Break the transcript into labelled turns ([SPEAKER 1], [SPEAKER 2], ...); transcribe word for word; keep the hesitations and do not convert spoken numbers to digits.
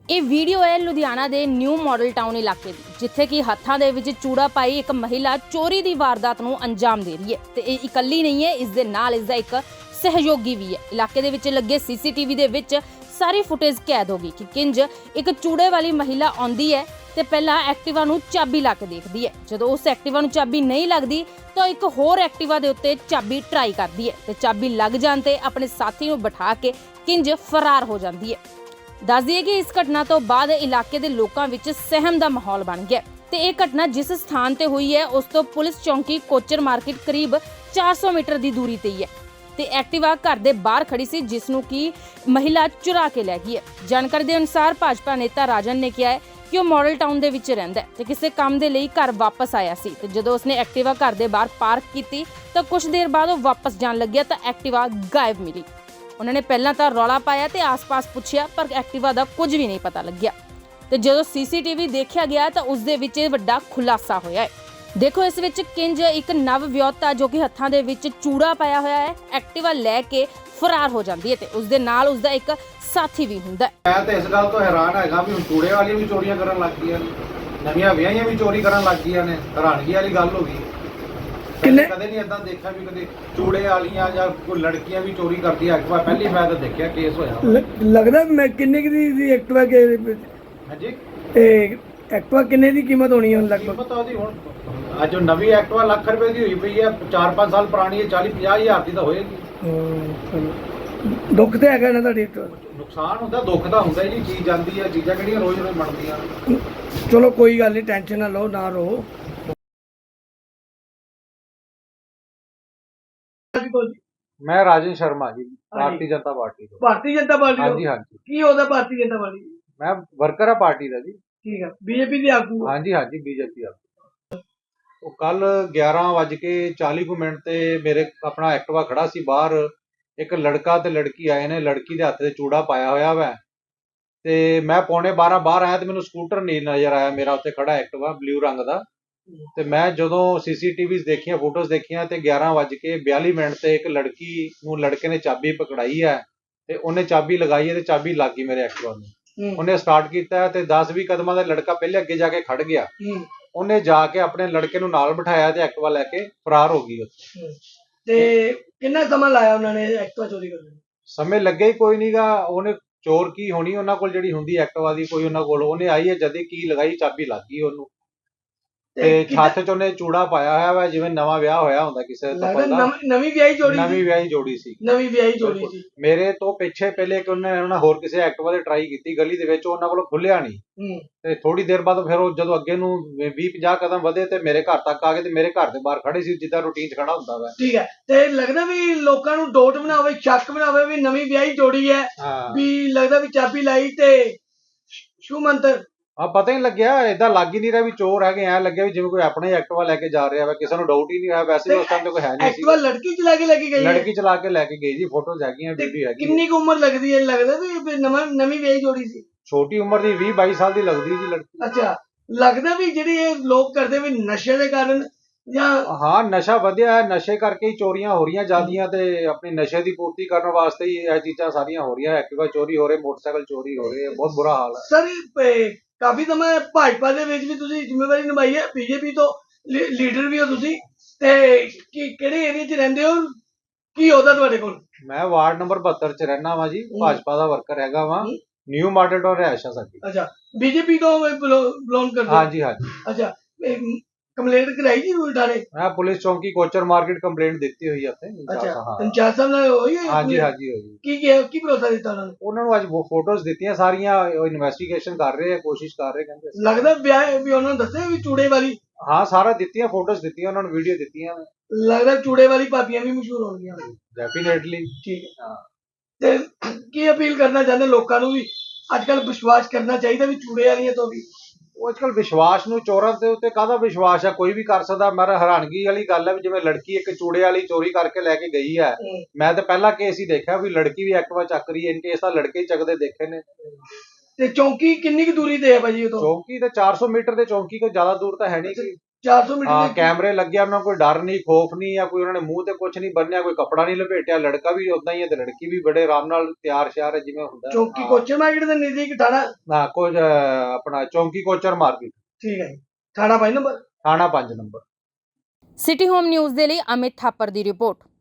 [SPEAKER 1] ਇਹ ਵੀਡੀਓ ਹੈ ਲੁਧਿਆਣਾ ਦੇ ਨਿਊ ਮਾਡਲ ਟਾਊਨ ਇਲਾਕੇ ਦੀ, ਜਿੱਥੇ ਕਿ ਹੱਥਾਂ ਦੇ ਵਿੱਚ ਚੂੜਾ ਪਾਈ ਇੱਕ ਮਹਿਲਾ ਚੋਰੀ ਦੀ ਵਾਰਦਾਤ ਨੂੰ ਅੰਜਾਮ ਦੇ ਰਹੀ ਹੈ ਤੇ ਇਹ ਇਕੱਲੀ ਨਹੀਂ ਹੈ, ਇਸ ਦੇ ਨਾਲ ਇਸ ਦਾ ਇੱਕ ਸਹਿਯੋਗੀ ਵੀ ਹੈ। ਇਲਾਕੇ ਦੇ ਵਿੱਚ ਲੱਗੇ ਸੀਸੀਟੀਵੀ ਦੇ ਵਿੱਚ ਸਾਰੀ ਫੁਟੇਜ ਕੈਦ ਹੋ ਗਈ ਕਿ ਕਿੰਜ ਇੱਕ ਚੂੜੇ ਵਾਲੀ ਮਹਿਲਾ ਆਉਂਦੀ ਹੈ ਤੇ ਪਹਿਲਾਂ ਐਕਟਿਵਾ ਨੂੰ ਚਾਬੀ ਲਾ ਕੇ ਦੇਖਦੀ ਹੈ। ਜਦੋਂ ਉਸ ਐਕਟਿਵਾ ਨੂੰ ਚਾਬੀ ਨਹੀਂ ਲੱਗਦੀ ਤਾਂ ਇੱਕ ਹੋਰ ਐਕਟਿਵਾ ਦੇ ਉੱਤੇ ਚਾਬੀ ਟਰਾਈ ਕਰਦੀ ਹੈ ਤੇ ਚਾਬੀ ਲੱਗ ਜਾਣ ਤੇ ਆਪਣੇ ਸਾਥੀ ਨੂੰ ਬਿਠਾ ਕੇ ਕਿੰਜ ਫਰਾਰ ਹੋ ਜਾਂਦੀ ਹੈ। ਦੱਸ ਦਈਏ ਕਿ ਇਸ ਘਟਨਾ ਤੋਂ ਬਾਅਦ ਇਲਾਕੇ ਦੇ ਲੋਕਾਂ ਵਿੱਚ ਸਹਿਮ ਦਾ ਮਾਹੌਲ ਬਣ ਗਿਆ ਤੇ ਇਹ ਘਟਨਾ ਜਿਸ ਸਥਾਨ ਤੇ ਹੋਈ ਹੈ ਉਸ ਤੋਂ ਪੁਲਿਸ ਚੌਂਕੀ ਕੋਚਰ ਮਾਰਕੀਟ ਕਰੀਬ ਚਾਰ ਸੌ ਮੀਟਰ ਦੀ ਦੂਰੀ ਤੇ ਹੀ ਹੈ ਤੇ ਐਕਟਿਵਾ ਘਰ ਦੇ ਬਾਹਰ ਖੜੀ ਸੀ, ਜਿਸ ਨੂੰ ਕਿ ਮਹਿਲਾ ਚੁਰਾ ਕੇ ਲੈ ਗਈ ਹੈ। ਜਾਣਕਾਰੀ ਦੇ ਅਨੁਸਾਰ ਭਾਜਪਾ ਨੇਤਾ ਰਾਜਨ ਨੇ ਕਿਹਾ ਹੈ ਕਿ ਉਹ ਮਾਡਲ ਟਾਊਨ ਦੇ ਵਿੱਚ ਰਹਿੰਦਾ ਹੈ ਤੇ ਕਿਸੇ ਕੰਮ ਦੇ ਲਈ ਘਰ ਵਾਪਸ ਆਇਆ ਸੀ ਤੇ ਜਦੋਂ ਉਸਨੇ ਐਕਟਿਵਾ ਘਰ ਦੇ ਬਾਹਰ ਪਾਰਕ ਕੀਤੀ ਤਾਂ ਕੁਝ ਦੇਰ ਬਾਅਦ ਉਹ ਵਾਪਸ ਜਾਣ ਲੱਗਿਆ ਤਾਂ ਐਕਟਿਵਾ ਗਾਇਬ ਮਿਲੀ। ਉਹਨਾਂ ਨੇ ਪਹਿਲਾਂ ਤਾਂ ਰੌਲਾ ਪਾਇਆ ਤੇ ਆਸ-ਪਾਸ ਪੁੱਛਿਆ ਪਰ ਐਕਟਿਵਾ ਦਾ ਕੁਝ ਵੀ ਨਹੀਂ ਪਤਾ ਲੱਗਿਆ ਤੇ ਜਦੋਂ ਸੀਸੀਟੀਵੀ ਦੇਖਿਆ ਗਿਆ ਤਾਂ ਉਸ ਦੇ ਵਿੱਚ ਵੱਡਾ ਖੁਲਾਸਾ ਹੋਇਆ ਹੈ। ਦੇਖੋ ਇਸ ਵਿੱਚ ਕਿੰਜ ਇੱਕ ਨਵ ਵਿਆਹੁਤਾ ਜੋ ਕਿ ਹੱਥਾਂ ਦੇ ਵਿੱਚ ਚੂੜਾ ਪਾਇਆ ਹੋਇਆ ਹੈ ਐਕਟਿਵਾ ਲੈ ਕੇ ਫਰਾਰ ਹੋ ਜਾਂਦੀ ਹੈ ਤੇ ਉਸ ਦੇ ਨਾਲ ਉਸ ਦਾ ਇੱਕ ਸਾਥੀ ਵੀ ਹੁੰਦਾ ਹੈ।
[SPEAKER 2] ਮੈਂ ਤਾਂ ਇਸ ਗੱਲ ਤੋਂ ਹੈਰਾਨ ਹੈਗਾ ਵੀ ਹੁਣ ਚੂੜੇ ਵਾਲੀਆਂ ਵੀ ਚੋਰੀਆਂ ਕਰਨ ਲੱਗ ਗਈਆਂ ਨੇ, ਨਵੀਆਂ ਵਿਆਹੀਆਂ ਵੀ ਚੋਰੀ ਕਰਨ ਲੱਗ ਗਈਆਂ ਨੇ। ਹੈਰਾਨਗੀ ਵਾਲੀ ਗੱਲ ਹੋ ਗਈ। ਕਿੰਨੇ ਕਦੇ ਨਹੀਂ ਇਦਾਂ ਦੇਖਿਆ ਵੀ ਕਦੇ ਚੂੜੇ ਵਾਲੀਆਂ ਜਾਂ ਕੋਈ ਲੜਕੀਆਂ ਵੀ ਚੋਰੀ ਕਰਦੀ ਐਕਟਿਵਾ ਪਹਿਲੀ ਵਾਰ ਤਾਂ ਦੇਖਿਆ ਕੇਸ ਹੋਇਆ।
[SPEAKER 3] ਲੱਗਦਾ ਮੈਂ ਕਿੰਨੇ ਕੁ ਦੀ ਦੀ ਐਕਟਿਵਾ ਕੇ
[SPEAKER 2] ਹਾਂਜੀ
[SPEAKER 3] ਇਹ ਐਕਟਿਵਾ ਕਿੰਨੇ ਦੀ ਕੀਮਤ ਹੋਣੀ ਹੈ ਲਗਭਗ?
[SPEAKER 2] ਪਤਾ ਉਹਦੀ ਹੁਣ ਅੱਜ ਉਹ ਨਵੀਂ ਐਕਟਿਵਾ ਲੱਖ ਰੁਪਏ ਦੀ ਹੋਈ ਪਈ ਹੈ, ਚਾਰ ਪੰਜ ਸਾਲ ਪੁਰਾਣੀ ਹੈ, ਚਾਲੀ ਪੰਜਾਹ ਹਜ਼ਾਰ ਦੀ ਤਾਂ ਹੋਏਗੀ।
[SPEAKER 3] ਦੁੱਖ ਤੇ ਹੈਗਾ ਨਾ ਤੁਹਾਡੀ ਐਕਟਿਵਾ?
[SPEAKER 2] ਨੁਕਸਾਨ ਹੁੰਦਾ, ਦੁੱਖ ਦਾ ਹੁੰਦਾ ਜੀ। ਚੀਜ਼ ਜਾਂਦੀ ਹੈ, ਚੀਜ਼ਾਂ ਕਿਹੜੀਆਂ ਰੋਜ਼ ਰੋਜ਼ ਬਣਦੀਆਂ।
[SPEAKER 3] ਚਲੋ ਕੋਈ ਗੱਲ ਨਹੀਂ, ਟੈਨਸ਼ਨ ਨਾ ਲਓ, ਨਾ ਰੋ।
[SPEAKER 2] ਮੈਂ ਰਾਜਨ ਸ਼ਰਮਾ ਜੀ, ਭਾਰਤੀ ਜਨਤਾ ਪਾਰਟੀ ਤੋਂ।
[SPEAKER 3] ਭਾਰਤੀ ਜਨਤਾ ਪਾਰਟੀ?
[SPEAKER 2] ਹਾਂਜੀ ਹਾਂਜੀ।
[SPEAKER 3] ਕੀ ਉਹਦਾ ਭਾਰਤੀ ਜਨਤਾ ਪਾਰਟੀ?
[SPEAKER 2] ਮੈਂ ਵਰਕਰ ਆ ਪਾਰਟੀ ਦਾ ਜੀ।
[SPEAKER 3] ਠੀਕ ਹੈ, ਬੀਜੇਪੀ ਦੇ ਆਗੂ?
[SPEAKER 2] ਹਾਂਜੀ ਹਾਂਜੀ, ਬੀਜੇਪੀ ਆਗੂ। ਉਹ ਕੱਲ ਗਿਆਰਾਂ ਵੱਜ ਕੇ ਚਾਲੀ ਕੁ ਮਿੰਟ ਤੇ ਮੇਰੇ ਆਪਣਾ ਐਕਟਿਵਾ ਖੜਾ ਸੀ ਬਾਹਰ। ਇੱਕ ਲੜਕਾ ਤੇ ਲੜਕੀ ਆਏ ਨੇ, ਲੜਕੀ ਦੇ ਹੱਥ ਤੇ ਚੂੜਾ ਪਾਇਆ ਹੋਇਆ ਵਾ ਤੇ ਮੈਂ ਪੌਣੇ ਬਾਰਾਂ ਬਾਹਰ ਆਇਆ ਤੇ ਮੈਨੂੰ ਸਕੂਟਰ ਨਹੀਂ ਨਜ਼ਰ ਆਇਆ ਮੇਰਾ ਉੱਥੇ ਖੜਾ ਐਕਟਿਵਾ ਬਲੂ ਰੰਗ ਦਾ। ਤੇ ਮੈਂ ਜਦੋਂ ਸੀਸੀਟੀਵੀ ਦੇਖੀਆਂ, ਫੋਟੋਜ਼ ਦੇਖੀਆਂ ਤੇ ਗਿਆਰਾਂ ਵੱਜ ਕੇ ਬਿਆਲੀ ਮਿੰਟ ਤੇ ਇੱਕ ਲੜਕੀ ਨੂੰ ਲੜਕੇ ਨੇ ਚਾਬੀ ਪਕੜਾਈ ਹੈ ਤੇ ਉਹਨੇ ਚਾਬੀ ਲਗਾਈ ਹੈ ਤੇ ਚਾਬੀ ਲੱਗ ਗਈ ਮੇਰੇ ਐਕਟਿਵਾ ਨੂੰ। ਉਹਨੇ ਸਟਾਰਟ ਕੀਤਾ ਤੇ ਦਸ ਵੀਹ ਕਦਮਾਂ ਦਾ ਲੜਕਾ ਪਹਿਲੇ ਅੱਗੇ ਜਾ ਕੇ ਖੜ ਗਿਆ। ਉਹਨੇ ਜਾ ਕੇ ਆਪਣੇ ਲੜਕੇ ਨੂੰ ਨਾਲ ਬਿਠਾਇਆ ਤੇ ਐਕਟਿਵਾ ਲੈ ਕੇ ਫਰਾਰ ਹੋ ਗਈ ਉੱਥੇ।
[SPEAKER 3] ਤੇ ਕਿੰਨਾ ਸਮਾਂ ਲਾਇਆ ਉਹਨਾਂ ਨੇ ਐਕਟਿਵਾ ਚੋਰੀ ਕਰਨ ਨੂੰ?
[SPEAKER 2] ਸਮੇਂ ਲੱਗਿਆ ਹੀ ਕੋਈ ਨਹੀਂਗਾ। ਉਹਨੇ ਚੋਰ ਕੀ ਹੋਣੀ ਉਹਨਾਂ ਕੋਲ ਜਿਹੜੀ ਹੁੰਦੀ ਐਕਟਿਵਾ ਦੀ ਕੋਈ ਉਹਨਾਂ ਕੋਲ, ਉਹਨੇ ਆਈ ਹੈ ਜਦੀ ਕੀ ਲਗਾਈ ਚਾਬੀ ਲੱਗ ਗਈ ਉਹਨੂੰ ਤੇ ਛੱਤ ਚ ਉਹਨੇ ਚੂੜਾ ਪਾਇਆ ਹੋਇਆ ਵਾ ਜਿਵੇਂ ਨਵਾਂ ਵਿਆਹ ਹੋਇਆ ਹੁੰਦਾ ਕਿਸੇ ਦਾ।
[SPEAKER 3] ਨਵੀਂ ਵਿਆਹੀ ਜੋੜੀ?
[SPEAKER 2] ਨਵੀਂ ਵਿਆਹੀ ਜੋੜੀ ਸੀ।
[SPEAKER 3] ਨਵੀਂ ਵਿਆਹੀ ਜੋੜੀ ਸੀ।
[SPEAKER 2] ਮੇਰੇ ਤੋਂ ਪਿੱਛੇ ਪਹਿਲੇ ਕਿ ਉਹਨੇ ਉਹਨਾਂ ਹੋਰ ਕਿਸੇ ਐਕਟਿਵਾ ਤੇ ਟਰਾਈ ਕੀਤੀ ਗਲੀ ਦੇ ਵਿੱਚ, ਉਹਨਾਂ ਕੋਲੋਂ ਖੁੱਲਿਆ ਨਹੀਂ ਤੇ ਥੋੜੀ ਦੇਰ ਬਾਅਦ ਫਿਰ ਉਹ ਜਦੋਂ ਅੱਗੇ ਨੂੰ ਵੀਹ ਪੰਜਾਹ ਕਦਮ ਵਧੇ ਤੇ ਮੇਰੇ ਘਰ ਤੱਕ ਆ ਗਏ ਤੇ ਮੇਰੇ ਘਰ ਦੇ ਬਾਹਰ ਖੜੇ ਸੀ ਜਿੱਦਾਂ ਰੂਟੀਨ ਚ ਖੜਾ ਹੁੰਦਾ ਵਾ।
[SPEAKER 3] ਠੀਕ ਹੈ, ਤੇ ਲੱਗਦਾ ਵੀ ਲੋਕਾਂ ਨੂੰ ਡੋਟ ਬਣਾਵੇ, ਸ਼ੱਕ ਬਣਾਵੇ ਵੀ ਨਵੀਂ ਵਿਆਹੀ ਜੋੜੀ ਹੈ, ਵੀ ਲੱਗਦਾ ਵੀ ਚਾਬੀ ਲਾਈ ਤੇ ਸ਼ੂ ਮੰਤਰ।
[SPEAKER 2] ਹਾਂ, ਪਤਾ ਹੀ ਲੱਗਿਆ, ਏਦਾਂ ਲੱਗ ਹੀ ਨਹੀਂ ਰਿਹਾ ਵੀ ਚੋਰ ਹੈਗੇ। ਐ ਲੱਗਿਆ ਵੀ ਜਿਵੇਂ ਕੋਈ ਆਪਣੇ ਐਕਟਿਵਾ ਲੈ ਕੇ ਜਾ ਰਿਹਾ ਵਾ, ਕਿਸੇ ਨੂੰ ਡਾਊਟ ਹੀ ਨਹੀਂ ਹੋਇਆ। ਵੈਸੇ ਉਸ ਟਾਈਮ ਤੇ ਕੋਈ ਹੈ ਨਹੀਂ ਸੀ।
[SPEAKER 3] ਐਕਟਿਵਾ ਲੜਕੀ ਚਲਾ ਕੇ ਲੈ ਕੇ ਗਈ?
[SPEAKER 2] ਲੜਕੀ ਚਲਾ ਕੇ ਲੈ ਕੇ ਗਈ ਜੀ, ਫੋਟੋਜ਼ ਹੈਗੀਆਂ, ਵੀਡੀਓ ਹੈਗੀ।
[SPEAKER 3] ਕਿੰਨੀ ਕੁ ਉਮਰ ਲੱਗਦੀ ਹੈ? ਲੱਗਦਾ ਵੀ ਨਵਾਂ ਨਵੀਂ ਵਿਆਹੀ ਜੋੜੀ ਸੀ?
[SPEAKER 2] ਛੋਟੀ ਉਮਰ ਦੀ ਵੀਹ ਬਾਈ ਸਾਲ ਦੀ ਲੱਗਦੀ ਜੀ ਲੜਕੀ।
[SPEAKER 3] ਅੱਛਾ, ਲੱਗਦਾ ਵੀ ਜਿਹੜੀ ਇਹ ਲੋਕ ਕਰਦੇ ਵੀ ਨਸ਼ੇ ਦੇ ਕਾਰਨ ਜਾਂ?
[SPEAKER 2] ਹਾਂ, ਨਸ਼ਾ ਵਧਿਆ ਹੈ, ਨਸ਼ੇ ਕਰਕੇ ਹੀ ਚੋਰੀਆਂ ਹੋ ਰਹੀਆਂ ਜ਼ਿਆਦੀਆਂ ਤੇ ਆਪਣੀ ਨਸ਼ੇ ਦੀ ਪੂਰਤੀ ਕਰਨ ਵਾਸਤੇ ਹੀ ਇਹ ਚੀਜ਼ਾਂ ਸਾਰੀਆਂ ਹੋ ਰਹੀਆਂ। ਐਕਟਿਵਾ ਚੋਰੀ ਹੋ ਰਹੇ, ਮੋਟਰਸਾਈਕਲ ਚੋਰੀ ਹੋ ਰਹੇ, ਬਹੁਤ ਬੁਰਾ ਹਾਲ ਹੈ।
[SPEAKER 3] ਸਰ ਕਾਫੀ ਸਮਾਂ ਭਾਜਪਾ ਦੇ ਵਿੱਚ ਵੀ ਤੁਸੀਂ ਜ਼ਿੰਮੇਵਾਰੀ ਨਿਭਾਈ ਹੈ, ਬੀਜੇਪੀ ਤੋਂ ਲੀਡਰ ਵੀ ਹੋ ਤੁਸੀਂ, ਤੇ ਕੀ ਕਿਹੜੇ ਏਰੀਆ 'ਚ ਰਹਿੰਦੇ ਹੋ? ਕੀ ਉਹਦਾ ਤੁਹਾਡੇ ਕੋਲ? ਮੈਂ
[SPEAKER 2] ਵਾਰਡ ਨੰਬਰ ਬਹੱਤਰ 'ਚ ਰਹਿਣਾ ਵਾ ਜੀ, ਭਾਜਪਾ ਦਾ ਵਰਕਰ ਹੈਗਾ ਵਾ। ਨਿਊ ਮਾਡਲ ਟਾਊਨ ਰਿਹਾਇਸ਼ਾ ਸਾਡੀ। ਅੱਛਾ, ਬੀਜੇਪੀ ਤੋਂ ਬਿਲੋਂਗ ਕਰਦੇ? ਹਾਂਜੀ ਹਾਂਜੀ। ਅੱਛਾ, ਕੰਪਲੇਂਟ ਕਰਾਈ ਜੀ ਥਾਣੇ? ਮੈਂ ਪੁਲਿਸ ਚੌਂਕੀ ਕੋਚਰ ਮਾਰਕੀਟ ਕੰਪਲੇਂਟ ਦਿੱਤੀ ਹੋਈ ਹੈ ਉੱਥੇ। ਅੱਛਾ, ਇੰਚਾਰਜ ਸਾਹਿਬ ਨਾਲ ਹੋਈ ਹੈ? ਹਾਂਜੀ ਹਾਂਜੀ ਹੋਈ। ਕੀ ਕੀ ਕੀ ਭਰੋਸਾ ਦਿੱਤਾ ਉਹਨਾਂ ਨੂੰ? ਉਹਨਾਂ ਨੂੰ ਅੱਜ ਫੋਟੋਜ਼ ਦਿੱਤੀਆਂ ਸਾਰੀਆਂ, ਇਨਵੈਸਟੀਗੇਸ਼ਨ ਕਰ ਰਹੇ ਆ, ਕੋਸ਼ਿਸ਼ ਕਰ ਰਹੇ ਕਹਿੰਦੇ। ਲੱਗਦਾ ਵਿਆਹ ਵੀ ਉਹਨਾਂ ਨੂੰ ਦੱਸਿਆ ਵੀ ਚੂੜੇ ਵਾਲੀ? ਹਾਂ, ਸਾਰਾ ਦਿੱਤੀਆਂ, ਫੋਟੋਜ਼ ਦਿੱਤੀਆਂ ਉਹਨਾਂ ਨੂੰ, ਵੀਡੀਓ ਦਿੱਤੀਆਂ। ਲੱਗਦਾ ਚੂੜੇ ਵਾਲੀ ਭਾਬੀਆਂ ਵੀ ਮਸ਼ਹੂਰ ਹੋਣਗੀਆਂ। ਡੈਫੀਨੇਟਲੀ। ਠੀਕ ਹੈ। ਹਾਂ, ਤੇ ਕੀ ਅਪੀਲ ਕਰਨਾ ਚਾਹੁੰਦੇ ਲੋਕਾਂ ਨੂੰ ਵੀ ਅੱਜ ਕੱਲ ਵਿਸ਼ਵਾਸ ਕਰਨਾ ਚਾਹੀਦਾ ਵੀ ਚੂੜੇ ਵਾਲੀਆਂ ਤੋਂ ਵੀ? ਉਹ ਅੱਜ ਕੱਲ ਵਿਸ਼ਵਾਸ ਨੂੰ, ਚੋਰਾਂ ਦੇ ਉੱਤੇ ਕਾਹਦਾ ਵਿਸ਼ਵਾਸ ਹੈ, ਕੋਈ ਵੀ ਕਰ ਸਕਦਾ। ਮੇਰਾ ਹੈਰਾਨਗੀ ਵਾਲੀ ਗੱਲ ਹੈ ਵੀ ਜਿਵੇਂ ਲੜਕੀ ਇੱਕ ਚੂੜੇ ਵਾਲੀ ਚੋਰੀ ਕਰਕੇ ਲੈ ਕੇ ਗਈ ਹੈ। ਮੈਂ ਤਾਂ ਪਹਿਲਾ ਕੇਸ ਹੀ ਦੇਖਿਆ ਵੀ ਲੜਕੀ ਵੀ ਐਕਟਿਵਾ ਚੱਕ ਰਹੀ ਹੈ। ਇਨ ਕੇਸ ਤਾਂ ਲੜਕੇ ਹੀ ਚੱਕਦੇ ਦੇਖੇ ਨੇ। ਤੇ ਚੌਂਕੀ ਕਿੰਨੀ ਕੁ ਦੂਰੀ ਤੇ ਹੈ ਭਾਜੀ ਉਹ ਤੋਂ? ਚੌਂਕੀ ਤੇ ਚਾਰ ਸੌ ਮੀਟਰ ਦੇ, ਚੌਂਕੀ ਕੋਈ ਜ਼ਿਆਦਾ ਦੂਰ ਤਾਂ ਹੈ ਨਹੀਂ।
[SPEAKER 3] ਚਾਰ ਸੌ ਮੀਟਰ
[SPEAKER 2] ਹਾਂ
[SPEAKER 3] ਦੇ
[SPEAKER 2] ਕੈਮਰੇ ਲੱਗੇ, ਉਹਨਾਂ ਕੋਈ ਡਰ ਨਹੀਂ ਖੋਫ ਨਹੀਂ, ਜਾਂ ਕੋਈ ਉਹਨਾਂ ਨੇ ਮੂੰਹ ਤੇ ਕੁਝ ਨਹੀਂ ਬੰਨਿਆ, ਕੋਈ ਕੱਪੜਾ ਨਹੀਂ ਲਪੇਟਿਆ। ਲੜਕਾ ਵੀ ਉਦਾਂ ਹੀ ਹੈ ਤੇ ਲੜਕੀ ਵੀ ਬੜੇ ਆਰਾਮ ਨਾਲ ਤਿਆਰ ਸ਼ਿਆਰ ਹੈ ਜਿਵੇਂ ਹੁੰਦਾ।
[SPEAKER 3] ਚੌਂਕੀ ਕੋਚਰ ਮਾਰਕੀਟ ਦੇ ਨਜ਼ਦੀਕ ਥਾਣਾ।
[SPEAKER 2] ਨਾ ਕੁਝ ਆਪਣਾ ਚੌਂਕੀ ਕੋਚਰ ਮਾਰਕੀਟ।
[SPEAKER 3] ਠੀਕ ਹੈ ਜੀ। ਥਾਣਾ ਪੰਜ ਨੰਬਰ।
[SPEAKER 2] ਥਾਣਾ ਪੰਜ ਨੰਬਰ।
[SPEAKER 1] ਸਿਟੀ ਹੋਮ ਨਿਊਜ਼ ਦੇ ਲਈ ਅਮਿਤ ਥਾਪਰ ਦੀ ਰਿਪੋਰਟ।